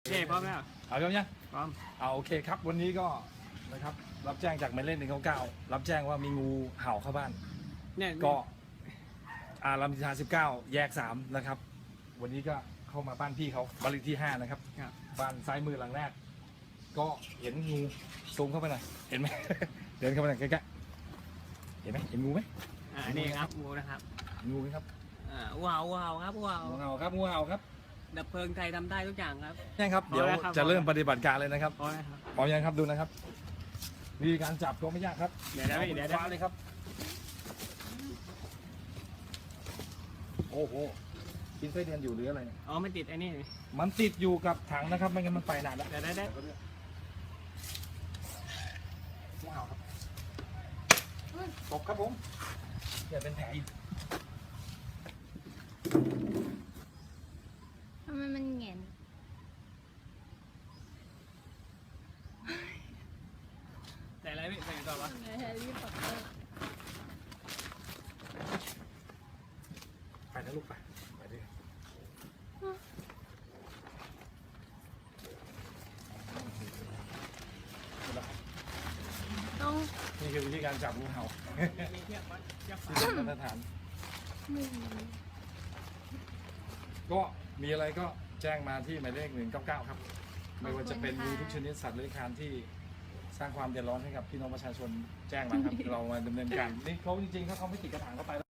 เจ๊พร้อมแล้วเอาแล้วเนี่ยพร้อมเอาโอเคครับวันนี้ก็นะครับรับแจ้งจากหมายเลข199รับแจ้งว่ามีงูเห่าเข้าบ้านเนี่ยก็รามอินทรา19แยก3นะครับวันนี้ก็เข้ามาบ้านพี่เขาบ้านเลขที่5นะครับครับบ้านซ้ายมือหลังแรกก็เห็นงูซูมเข้าไปหน่อยเห็นไหม เดินเข้าไปหน่อยใกล้ๆเห็นไหมเห็นงูไหมนี่ครับงูนะครับเห็นงูไหมครับว้าวว้าวครับว้าวงูเห่าครับงูเห่าครับดับเพลิงไทยทำได้ทุกอย่างครับใช่ครับพอเดี๋ยวแล้วครับจะเริ่มปฏิบัติการเลยนะครับพอแล้วครับพร้อมยังครับดูนะครับวิธีการจับก็ไม่ยากครับเดี๋ยวนะพี่เดี๋ยวนะฟ้าเลยครับโอ้โหกินไส้เดือนอยู่หรืออะไรเนี่ยอ๋อไม่ติดไอ้นี่มันติดอยู่กับถังนะครับไม่งั้นมันไปนานแล้วเดี๋ยวได้ว้าวครับตบครับผมอย่าเป็นแผลอีกทำไมมันแหงนแต่อะไรพี่ใส่ต่อวะแฮร์รี่พอตเตอร์ไปนะลูกไปไปดิต้องนี่คือวิธีการจับงูเห่ามีเทียบวัดเทียบฝาที่เป็นมาตรฐานมือก็มีอะไรก็แจ้งมาที่หมายเลข199ครับไม่ว่าจะเป็นงูทุกชนิดสัตว์เลื้อยคลานที่สร้างความเดือดร้อนให้กับพี่น้องประชาชนแจ้งมาครับ เรามาดำเนินการนี่เขาจริงๆถ้าเขาไม่ติดกระถางเข้าไป